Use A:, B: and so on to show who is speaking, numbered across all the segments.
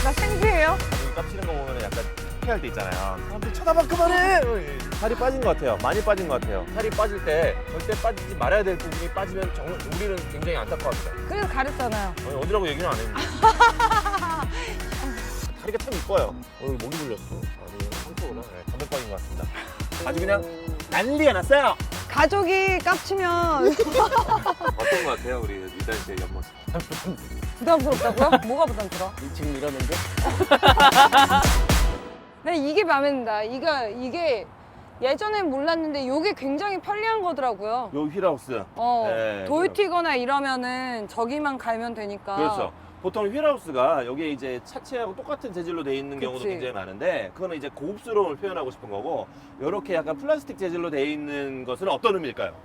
A: 나 생피해요?
B: 눈 깝치는 거 보면 약간 피할 때 있잖아요. 사람들 쳐다봐 그만해. 살이 빠진 것 같아요. 많이 빠진 것 같아요. 살이 빠질 때 절대 빠지지 말아야 될 부분이 빠지면 우리는 굉장히 안타까워합니다.
A: 그래서 가렸잖아요.
B: 아니, 어디라고 얘기는 안 했는데. 다리가 참 이뻐요. 오늘 목이 물렸어. 아니 상처구나. 네, 감독 빠진 것 같습니다. 아주 그냥 난리가 났어요.
A: 가족이 깝치면
B: 어떤 것 같아요, 우리 유단 씨의 옆모습?
A: 부담스럽다고요? 뭐가 부담스러워?
C: 지금 이러는데?
A: 네, 이게 마음에 든다. 이게 예전엔 몰랐는데 이게 굉장히 편리한 거더라고요.
B: 요 휠하우스. 네,
A: 돌 튀거나 이러면은 저기만 갈면 되니까.
B: 그렇죠. 보통 휠하우스가 여기에 이제 차체하고 똑같은 재질로 돼 있는 경우도
A: 그치.
B: 굉장히 많은데 그거는 이제 고급스러움을 표현하고 싶은 거고 이렇게 약간 플라스틱 재질로 돼 있는 것은 어떤 의미일까요?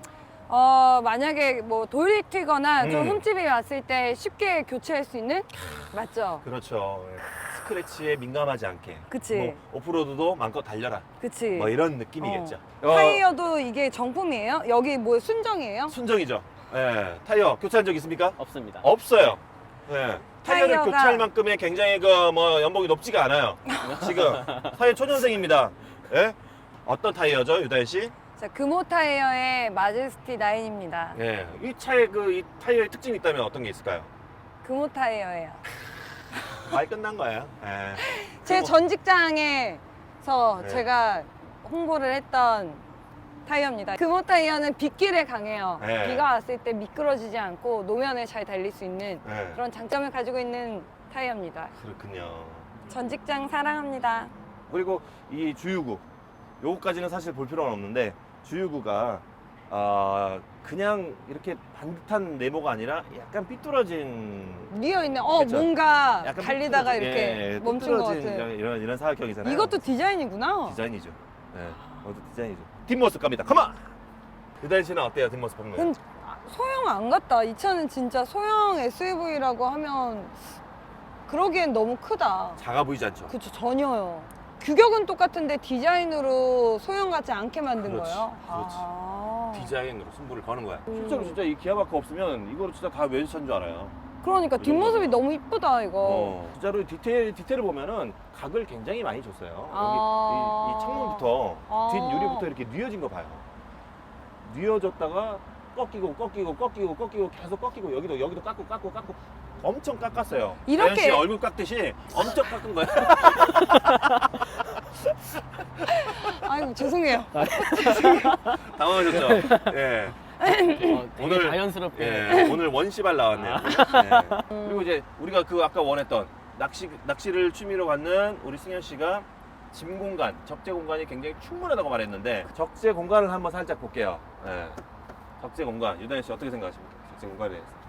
A: 만약에 뭐 돌이 튀거나 좀
B: 음.
A: 흠집이 왔을 때 쉽게 교체할 수 있는? 맞죠?
B: 그렇죠. 스크래치에 민감하지 않게.
A: 그치.
B: 뭐 오프로드도 마음껏 달려라.
A: 그치.
B: 뭐 이런 느낌이겠죠.
A: 타이어도 이게 정품이에요? 여기 뭐 순정이에요?
B: 순정이죠. 예. 타이어 교체한 적 있습니까?
C: 없습니다.
B: 없어요. 예. 타이어를
A: 타이어가-
B: 교체할 만큼의 굉장히 연봉이 높지가 않아요. 지금 타이어 초년생입니다. 예? 어떤 타이어죠, 유다현 씨?
A: 자, 금호 타이어의 마제스티 9입니다.
B: 예. 이 차의 이 타이어의 특징이 있다면 어떤 게 있을까요?
A: 금호 타이어예요.
B: 많이 끝난 거예요. 예.
A: 제
B: 그리고-
A: 전 직장에서
B: 네.
A: 제가 홍보를 했던 타이어입니다. 금호 타이어는 빗길에 강해요.
B: 네.
A: 비가 왔을 때 미끄러지지 않고 노면에 잘 달릴 수 있는
B: 예.
A: 그런 장점을 가지고 있는 타이어입니다.
B: 그렇군요.
A: 전 직장 사랑합니다.
B: 그리고 이 주유구 요거까지는 사실 볼 필요는 없는데 주유구가 그냥 이렇게 반듯한 네모가 아니라 약간 삐뚤어진
A: 뉘어 있는
B: 그쵸?
A: 뭔가
B: 약간
A: 달리다가
B: 삐뚤어진,
A: 이렇게
B: 예,
A: 멈춘 것
B: 삐뚤어진
A: 같은.
B: 이런 사각형이잖아요.
A: 이것도 디자인이구나.
B: 디자인이죠. 예. 이것도 디자인이죠. 뒷모습 갑니다. 컴온. 유다현 씨는 어때요? 뒷모습 보면.
A: 그건 소형 안 같다. 이 차는 진짜 소형 SUV라고 하면 그러기엔 너무 크다.
B: 작아 보이지 않죠?
A: 그쵸, 전혀요. 규격은 똑같은데 디자인으로 소형 같지 않게 만든
B: 그렇지,
A: 거예요.
B: 그렇지.
A: 아.
B: 디자인으로 승부를 거는 거야. 실제로 진짜 이 기아마크 없으면 이거를 진짜 다 외제차인 줄 알아요.
A: 그러니까
B: 이런
A: 뒷모습이
B: 거는.
A: 너무 이쁘다 이거.
B: 진짜로 디테일을 보면은 각을 굉장히 많이 줬어요.
A: 아.
B: 여기 이 창문부터
A: 아.
B: 뒷유리부터 이렇게 뉘어진 거 봐요. 뉘어졌다가 꺾이고 계속 꺾이고 여기도 깎고 엄청 깎았어요.
A: 이렇게-
B: 다현 씨 얼굴 깎듯이 엄청 깎은 거예요.
A: 아이고 죄송해요.
B: 당황하셨죠? 예.
C: 되게
B: 오늘-
C: 자연스럽게.
B: 예. 오늘 원시발 나왔네요. 예. 그리고 이제 우리가 아까 원했던 낚시를 취미로 갖는 우리 승현 씨가 짐 공간, 적재 공간이 굉장히 충분하다고 말했는데 적재 공간을 한번 살짝 볼게요. 예. 적재 공간, 유다현 씨 어떻게 생각하십니까? 적재 공간에 대해서.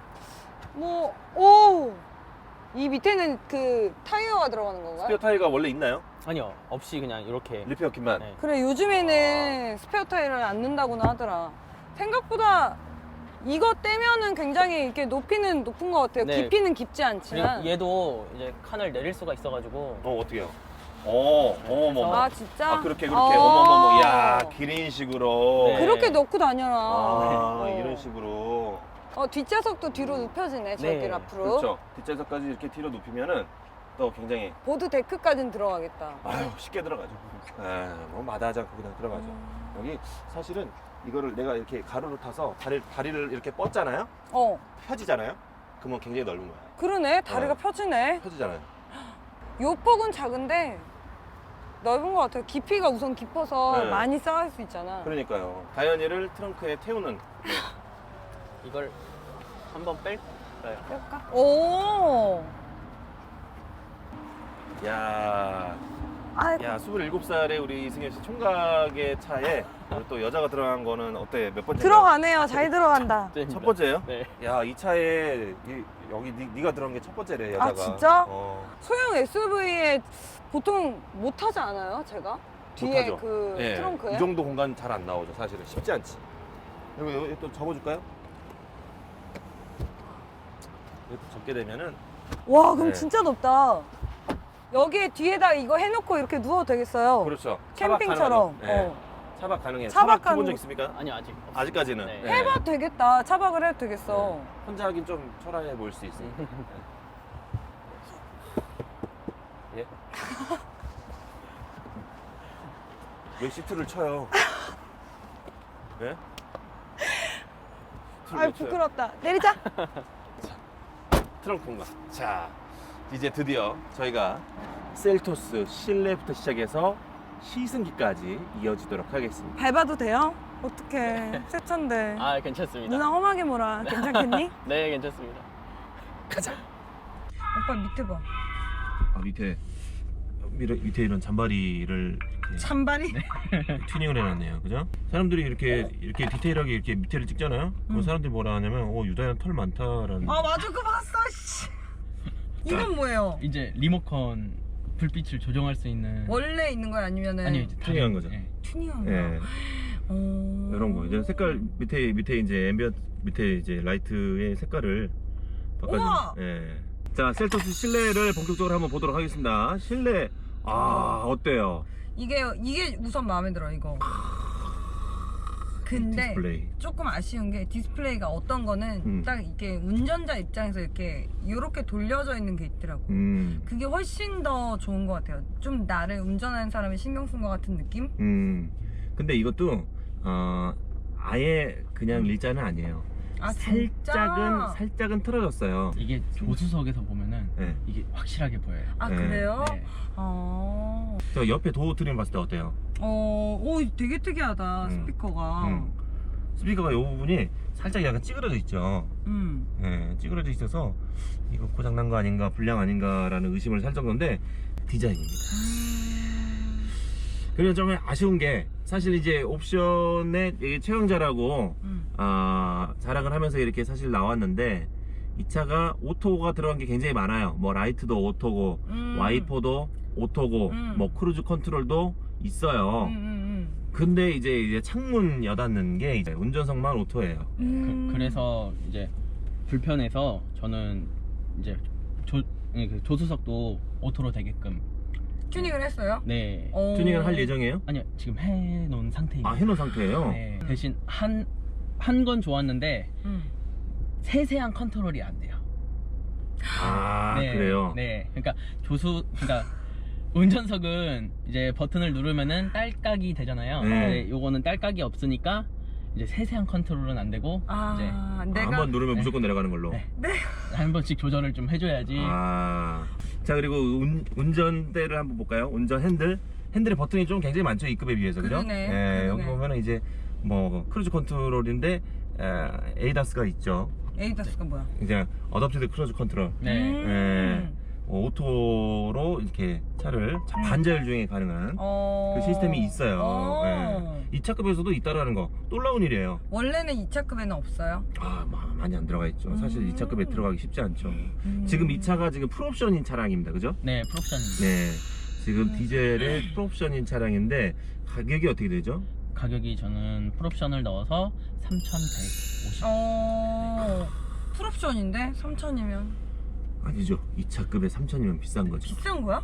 A: 이 밑에는 그 타이어가 들어가는 건가요?
B: 스페어 타이어가 원래 있나요?
C: 아니요, 없이 그냥 이렇게.
B: 리페어 kit만.
C: 네.
A: 그래 요즘에는 스페어 타이어를 안 넣는다고나 하더라. 생각보다 이거 떼면은 굉장히 이렇게 높이는 높은 것 같아요.
C: 네.
A: 깊이는 깊지 않지만.
C: 그리고 얘도 이제 칸을 내릴 수가 있어가지고.
B: 어떻게요? 어머머머.
A: 아 진짜?
B: 그렇게
A: 어.
B: 어머머머. 야, 기린식으로.
C: 네.
A: 그렇게 넣고 다녀라.
B: 이런 식으로.
A: 뒷좌석도 뒤로 눕혀지네. 저길
C: 네.
A: 앞으로.
B: 그렇죠. 뒷좌석까지 이렇게 뒤로 눕히면은 또 굉장히
A: 보드 데크까지는 들어가겠다.
B: 쉽게 들어가죠. 뭐 마다하지 않고 그냥 들어가죠. 여기 사실은 이거를 내가 이렇게 가로로 타서 다리를 이렇게 뻗잖아요. 펴지잖아요. 그러면 굉장히 넓은 거야.
A: 그러네. 다리가
B: 네.
A: 펴지네.
B: 펴지잖아요.
A: 요 폭은 작은데 넓은 것 같아요. 깊이가 우선 깊어서
B: 네.
A: 많이 쌓을 수 있잖아.
B: 그러니까요. 다현이를 트렁크에 태우는.
C: 이걸 한번 뺄까요?
A: 뺄까? 오.
B: 야,
A: 아이고.
B: 27살의 우리 이승현 씨 총각의 차에 우리 또 여자가 들어간 거는 어때? 몇 번째?
A: 들어가네요. 잘 들어간다.
B: 첫 번째예요?
C: 네.
B: 야, 이 차에 여기 네가 들어간 게 첫 번째래, 여자가.
A: 아, 진짜?
B: 어.
A: 소형 SUV에 보통 못 타지 않아요? 제가? 뒤에
B: 못하죠.
A: 그
B: 예,
A: 트렁크에?
B: 이 정도 공간 잘 안 나오죠, 사실은. 쉽지 않지. 여기 또 접어줄까요? 이렇게 접게 되면은
A: 와, 그럼
B: 네.
A: 진짜 넓다. 여기에 뒤에다 이거 해놓고 이렇게 누워도 되겠어요.
B: 그렇죠. 차박
A: 캠핑처럼.
B: 가능하죠. 예. 차박 가능해요.
A: 차박
B: 차박 해본
A: 가능-
B: 적 있습니까?
C: 아니요, 아직. 없어요.
B: 아직까지는.
C: 네.
B: 예.
A: 해봐도 되겠다. 차박을 해도 되겠어.
B: 혼자 하긴 좀 초라해 보일 수 있으니까.
C: 예?
B: 왜 시트를 쳐요? 예?
A: 아이 부끄럽다. 내리자.
B: 트렁크 공간. 자, 이제 드디어 저희가 셀토스 실내부터 시작해서 시승기까지 이어지도록 하겠습니다.
A: 밟아도 돼요? 어떡해. 새 차인데.
C: 아, 괜찮습니다.
A: 누나 험하게 몰아. 괜찮겠니?
C: 네, 괜찮습니다.
B: 가자.
A: 오빠 밑에 봐.
B: 아, 밑에 이런 잔바리를 이렇게
A: 잔발이?
B: 튜닝을 해놨네요, 그죠? 사람들이 이렇게 디테일하게 이렇게 밑에를 찍잖아요. 그럼 사람들이 뭐라 하냐면, 유다야 털 많다라는.
A: 아 맞아 그거 봤어. 씨. 이건 뭐예요?
C: 이제 리모컨 불빛을 조정할 수 있는
A: 원래 있는 거야 아니면은
C: 아니요, 이제
B: 튜닝한 거죠.
C: 예.
A: 튜닝한 거야?
B: 예,
A: 어...
B: 이런 거. 이제 색깔 밑에 이제 앰비언 밑에 이제 라이트의 색깔을
A: 우와!
B: 바꿔주는. 예. 자, 셀토스 실내를 본격적으로 한번 보도록 하겠습니다. 실내 어때요?
A: 이게 우선 마음에 들어 이거. 근데
B: 디스플레이.
A: 조금 아쉬운 게 디스플레이가 어떤 거는 딱 이렇게 운전자 입장에서 이렇게 돌려져 있는 게 있더라고. 그게 훨씬 더 좋은 것 같아요. 좀 나를 운전하는 사람이 신경 쓴 것 같은 느낌?
B: 근데 이것도 아예 그냥 일자는 아니에요.
A: 아 진짜?
B: 살짝은 틀어졌어요.
C: 이게 조수석에서 보면은
B: 네.
C: 이게 확실하게 보여요.
A: 아
B: 네.
A: 그래요?
C: 네.
B: 저 옆에 도어 트림 봤을 때 어때요?
A: 오 되게 특이하다 스피커가.
B: 스피커가 이 부분이 살짝 약간 찌그러져 있죠. 예, 찌그러져 있어서 이거 고장 난 거 아닌가, 불량 아닌가라는 의심을 살 정도인데 디자인입니다. 그리고 좀 아쉬운 게 사실 이제 옵션에 최강자라고 자랑을 하면서 이렇게 사실 나왔는데 이 차가 오토가 들어간 게 굉장히 많아요. 뭐 라이트도 오토고 와이퍼도 오토고 뭐 크루즈 컨트롤도 있어요. 근데 이제 창문 여닫는 게 이제 운전석만 오토예요.
C: 그래서 이제 불편해서 저는 이제 조수석도 오토로 되게끔
A: 튜닝을 했어요?
C: 네.
B: 튜닝을 할 예정이에요?
C: 아니요, 지금 해놓은 상태입니다.
B: 아, 해놓은 상태예요?
C: 네. 대신 한 건 좋았는데 세세한 컨트롤이 안 돼요.
B: 아,
C: 네,
B: 그래요?
C: 네. 그러니까 운전석은 이제 버튼을 누르면은 딸깍이 되잖아요.
B: 네.
C: 근데 요거는 딸깍이 없으니까 이제 세세한 컨트롤은 안 되고 이제
B: 한번 누르면
C: 네.
B: 무조건 내려가는 걸로.
C: 네. 한 번씩 조절을 좀 해줘야지.
B: 자, 그리고 운전대를 한번 볼까요? 운전 핸들의 버튼이 좀 굉장히 많죠, E급에 비해서, 그죠?
A: 그러네.
B: 여기 보면은 이제 뭐 크루즈 컨트롤인데 에이다스가 있죠.
A: 에이다스가 뭐야?
B: 이제 어댑티드 크루즈 컨트롤.
C: 네.
B: 오토로 이렇게 차를 반자율 주행이 가능한 그 시스템이 있어요. 이 차급에서도 있다라는 거 놀라운 일이에요.
A: 원래는 2차급에는 없어요?
B: 많이 안 들어가 있죠. 사실 이 차급에 들어가기 쉽지 않죠. 지금 이 차가 지금 풀옵션인 차량입니다, 그죠?
C: 네, 풀옵션입니다.
B: 네, 지금 디젤의 풀옵션인 차량인데 가격이 어떻게 되죠?
C: 가격이 저는 풀옵션을 넣어서 3,150.
A: 풀옵션인데 3,000이면
B: 아니죠. 이 차급에 3,000이면 비싼 거죠.
A: 비싼 거야?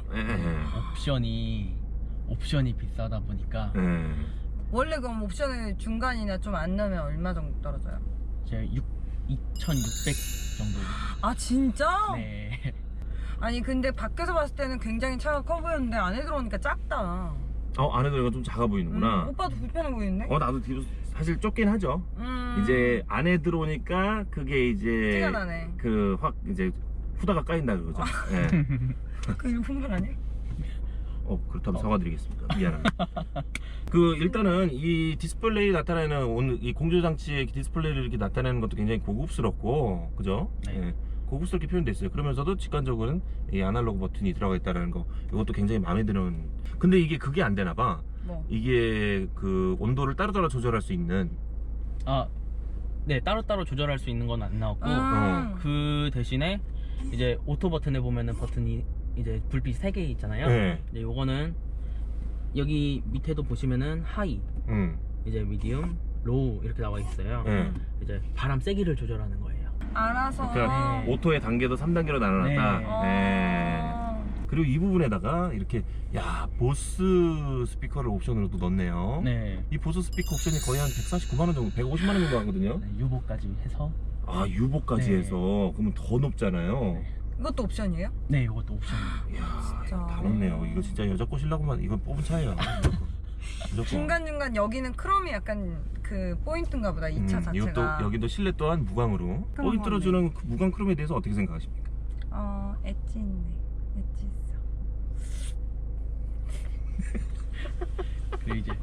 C: 옵션이 비싸다 보니까
A: 원래 그럼 옵션을 중간이나 좀 안 넣으면 얼마 정도 떨어져요?
C: 이제 2,600 정도.
A: 아 진짜?
C: 네.
A: 아니 근데 밖에서 봤을 때는 굉장히 차가 커 보였는데 안에 들어오니까 작다.
B: 안에 들어가 좀 작아 보이는구나.
A: 오빠도 불편해 보이는데?
B: 나도 뒤로 사실 좁긴 하죠. 이제 안에 들어오니까 그게 이제
A: 티가 나네.
B: 확 이제 후다가 까인다 그거죠. 예.
A: 그 일본말 아니야?
B: 그렇다면 사과드리겠습니다. 미안합니다. 일단은 이 디스플레이 나타내는 이 공조장치의 디스플레이를 이렇게 나타내는 것도 굉장히 고급스럽고, 그죠?
C: 네.
B: 예, 고급스럽게 표현됐어요. 그러면서도 직관적으로는 이 아날로그 버튼이 들어가 있다는 거, 이것도 굉장히 마음에 드는. 근데 이게 그게 안 되나 봐.
A: 뭐?
B: 이게 그 온도를 따로따로 조절할 수 있는.
C: 네, 따로따로 조절할 수 있는 건 안 나왔고, 그 대신에 이제 오토 버튼에 보면은 버튼이 이제 불빛 3개 있잖아요.
B: 네.
C: 근데 요거는 여기 밑에도 보시면은 하이, 이제 미디움, 로우 이렇게 나와 있어요. 이제 바람 세기를 조절하는 거예요.
A: 알아서.
B: 그러니까
C: 네.
B: 오토의 단계도 3단계로 나눠놨다.
C: 네.
B: 그리고 이 부분에다가 이렇게 보스 스피커를 옵션으로도 넣었네요.
C: 네.
B: 이 보스 스피커 옵션이 거의 한 149만 원 정도, 150만 원 정도 하거든요.
C: 네, 유보까지 해서.
B: 유보까지
C: 네.
B: 해서 그러면 더 높잖아요.
C: 네.
A: 이것도 옵션이에요?
C: 네, 이것도 옵션이에요.
B: 이야,
A: 진짜.
B: 다 넣네요. 이거 진짜 여자 꼬시려고만 이거 뽑은 차예요. 무조건.
A: 중간중간 여기는 크롬이 약간 그 포인트인가 보다. 이 차 자체가.
B: 이것도 여기도 실내 또한 무광으로
A: 그런
B: 포인트로
A: 거네.
B: 주는 그 무광 크롬에 대해서 어떻게 생각하십니까?
A: 엣지 있네. 엣지 있어.
C: 그리고 이제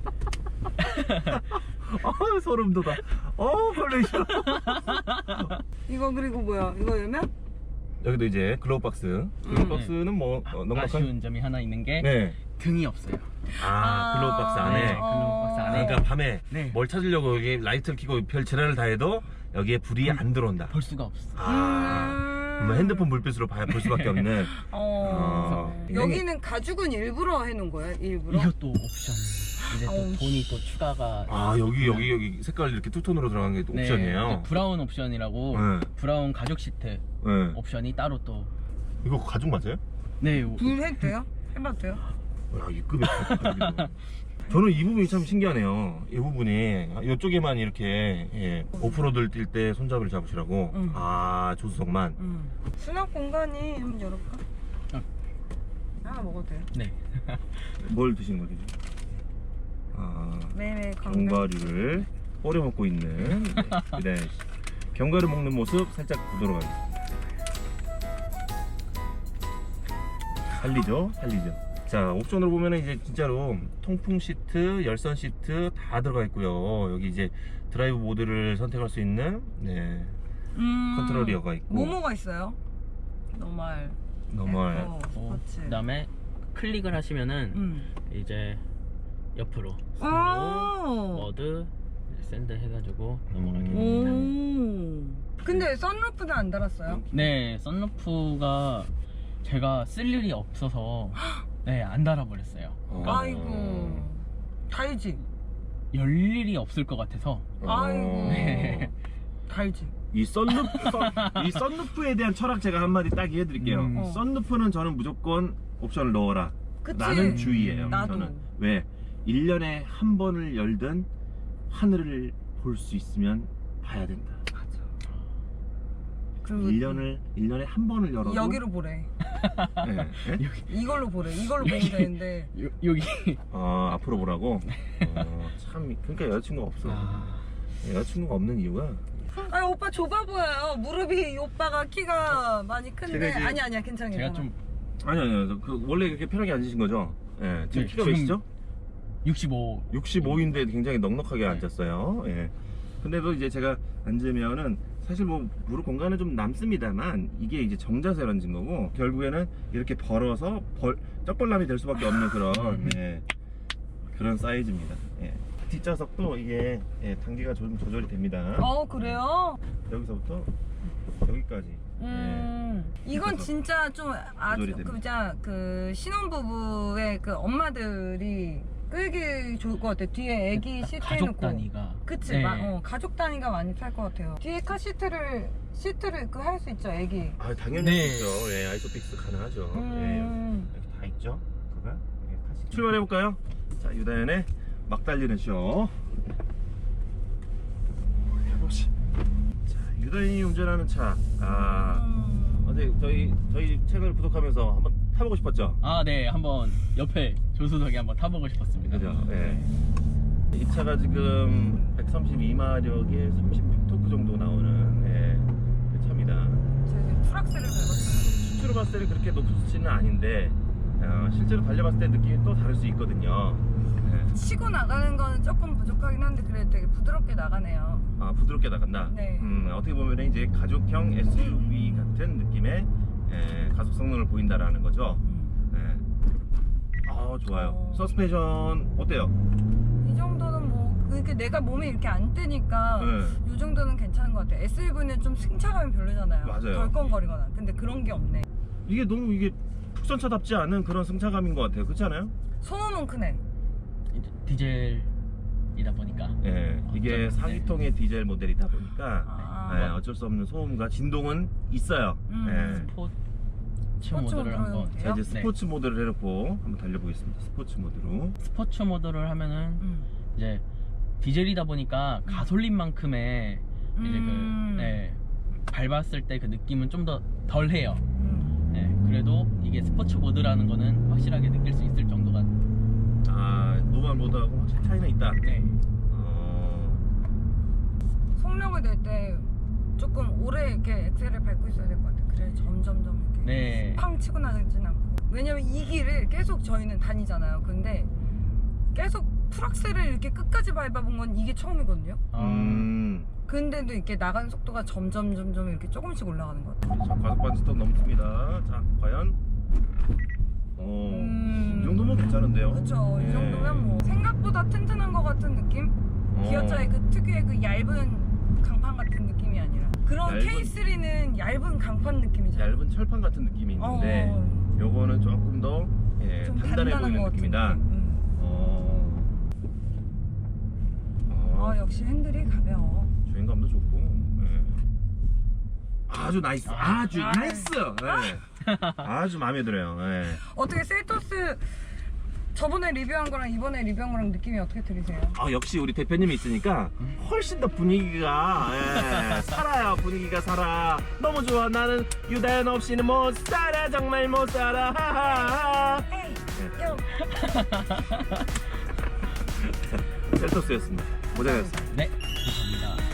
B: 소름 돋아. 컬레이션.
A: 이거 그리고 뭐야? 이거 열면?
B: 여기도 이제 글로우 박스. 글로우 박스는 뭐 넉넉한.
C: 아쉬운 점이 하나 있는 게
B: 네.
C: 등이 없어요.
B: 글로우 박스 안에.
C: 네, 글로우 박스 안에.
B: 그러니까 밤에
C: 네.
B: 뭘 찾으려고 여기 라이트를 켜고 별 재난을 다해도 여기에 불이 안 들어온다.
C: 볼 수가 없어.
B: 그러면 핸드폰 불빛으로 볼 수밖에 없는.
A: 여기는 가죽은 일부러 해놓은 거야? 일부러?
C: 이것도 옵션. 이제 또
A: 어우,
C: 돈이 또 추가가.
B: 여기 색깔 이렇게 투톤으로 들어간 게 또
C: 네,
B: 옵션이에요.
C: 이제 브라운 옵션이라고
B: 네.
C: 브라운 가죽 시트
B: 네.
C: 옵션이 따로 또.
B: 이거 가죽 맞아요?
C: 네.
A: 불 해도 돼요? 해봐도 돼요?
B: 야, 이 급의 가죽이다. 저는 이 부분이 참 신기하네요. 이 부분이 이쪽에만 이렇게 오프로드를 뛸 때 손잡이를 잡으시라고. 조수석만.
A: 수납 공간이 한번 열어볼까? 하나 먹어도 돼요?
C: 네.
B: 뭘 드신 거죠?
A: 매일 건강.
B: 견과류를 뿌려 먹고 있는 네. 견과류 먹는 모습 살짝 보도록 하겠습니다. 살리죠? 자, 옵션으로 보면은 이제 진짜로 통풍 시트, 열선 시트 다 들어가 있고요. 여기 이제 드라이브 모드를 선택할 수 있는 컨트롤리어가 있고.
A: 뭐뭐가 있어요? 노멀. 스포츠.
C: 그다음에 클릭을 하시면은 이제 옆으로 모드 이제 샌드 해가지고 넘어가게 됩니다.
A: 근데 선루프는 안 달았어요?
C: 네, 썬루프가 제가 쓸 일이 없어서 네, 안 달아버렸어요. 그러니까
A: 아이고. 달지?
C: 열 일이 없을 것 같아서.
A: 아이고.
C: 네.
A: 달지?
B: 이 썬루프에 대한 철학 제가 한마디 딱 해드릴게요. 썬루프는 저는 무조건 옵션을 넣어라.
A: 그치?
B: 라는 주의예요.
A: 나도.
B: 저는. 왜? 1년에 한 번을 열든 하늘을 볼 수 있으면 봐야 된다.
A: 그리고
B: 1년에 한 번을 열어도
A: 여기로 보래.
B: 네.
A: 이걸로 보래. 이걸로 보면 되는데.
C: 여기.
B: 앞으로 보라고. 참 그러니까 여자친구가 없어. 여자친구가 없는 이유가
A: 아니 오빠 좁아 보여요. 무릎이 이 오빠가 키가 많이 큰데.
B: 제가 이제-
A: 아니야 괜찮아.
C: 제가 좀
B: 아니요. 원래 이렇게 편하게 앉으신 거죠? 예. 지금
C: 네,
B: 키가
C: 지금
B: 몇이죠?
C: 65.
B: 65인데 굉장히 넉넉하게
C: 네.
B: 앉았어요. 예. 근데도 이제 제가 앉으면은 사실 뭐 무릎 공간은 좀 남습니다만 이게 이제 정자세라는 거고 결국에는 이렇게 벌어서 쩍벌남이 될 수밖에 없는 그런 사이즈입니다. 예. 뒷좌석도 이게 단계가 좀 조절이 됩니다.
A: 그래요?
B: 여기서부터 여기까지.
A: 이건
B: 그래서
A: 진짜 좀
B: 조절이 됩니다.
A: 그 신혼부부의 그 엄마들이 끌기 좋을 것 같아. 뒤에 애기 시트
C: 가족
A: 해놓고.
C: 단위가.
A: 그치?
C: 네.
A: 가족 단위가 많이 탈 것 같아요. 뒤에 카 시트를 그 할 수 있죠, 애기.
B: 당연히
C: 네.
B: 있죠. 예, 아이소픽스 가능하죠.
A: 음.
B: 여기 다 있죠. 그가 출발해 볼까요? 자, 유다현의 막 달리는 쇼. 해보시. 자, 유다현이 운전하는 차. 어제 저희 채널 구독하면서 한번 타보고 싶었죠?
C: 네, 한번 옆에 조수석에 한번 타보고 싶었습니다.
B: 그죠? 예. 이 차가 지금 132마력에 36토크 정도 나오는 그 차입니다.
A: 제가 지금 풀악셀을 밟았어요.
B: 수치로 봤을 때는 그렇게 높지는 아닌데 실제로 달려봤을 때 느낌이 또 다를 수 있거든요.
A: 치고 나가는 거는 조금 부족하긴 한데 그래도 되게 부드럽게 나가네요.
B: 부드럽게 나간다.
A: 네.
B: 어떻게 보면 이제 가족형 SUV 같은 느낌의 가속 성능을 보인다라는 거죠. 좋아요. 서스펜션 어때요?
A: 이 정도는 뭐 그게 내가 몸이 이렇게 안 뜨니까 이 정도는 괜찮은 것 같아요. SUV는 좀 승차감이 별로잖아요.
B: 맞아요.
A: 덜컹거리거나. 근데 그런 게 없네.
B: 이게 너무 국산차답지 않은 그런 승차감인 것 같아요. 그렇지 않아요?
A: 소음은 크네.
C: 이제 디젤이다 보니까.
B: 이게
C: 어쩌면,
B: 4기통의 디젤 모델이다 보니까 어쩔 수 없는 소음과 진동은 있어요.
C: 스포츠 모드를 한번.
B: 자, 이제 스포츠 모드를 해놓고 한번 달려보겠습니다. 스포츠 모드로.
C: 스포츠 모드를 하면은 이제 디젤이다 보니까 가솔린만큼의 이제 밟았을 때 그 느낌은 좀 더 덜해요. 네, 그래도 이게 스포츠 모드라는 거는 확실하게 느낄 수 있을 정도가.
B: 아, 노멀 모드하고 확실히 차이는 있다.
C: 네.
A: 속력을 낼 때 조금 오래 이렇게 엑셀을 밟고 있어야 될 것 같아요. 그래 점점점 이렇게
C: 네.
A: 팡 치고 나가진 않고. 왜냐면 이 길을 계속 저희는 다니잖아요. 근데 계속 풀악셀을 이렇게 끝까지 밟아본 건 이게 처음이거든요. 근데도 이렇게 나가는 속도가 점점 이렇게 조금씩 올라가는 것 같아요.
B: 자, 과속 스톱 넘습니다. 자, 과연 이 정도면 괜찮은데요?
A: 그렇죠. 이
B: 예.
A: 정도면 뭐 생각보다 튼튼한 것 같은 느낌? 기어차의 그 특유의 그 얇은 강판 같은 느낌이 아니라 그런 K3는 얇은 강판 느낌이잖아요.
B: 얇은 철판 같은 느낌이 있는데 요거는 조금 더
A: 좀
B: 단단해
A: 단단한
B: 보이는
A: 것 같은
B: 느낌이다.
A: 느낌. 역시 핸들이 가벼워.
B: 주행감도 좋고 아주 나이스. 아주 나이스. 아주 마음에 들어요.
A: 어떻게 셀토스 저번에 리뷰한 거랑 이번에 리뷰한 거랑 느낌이 어떻게 들으세요?
B: 역시 우리 대표님이 있으니까 훨씬 더 분위기가 살아요. 분위기가 살아. 너무 좋아. 나는 유다현 없이는 못 살아. 정말 못 살아. 하하하. 셀토스였습니다. 고생하셨습니다.
C: 네, 감사합니다.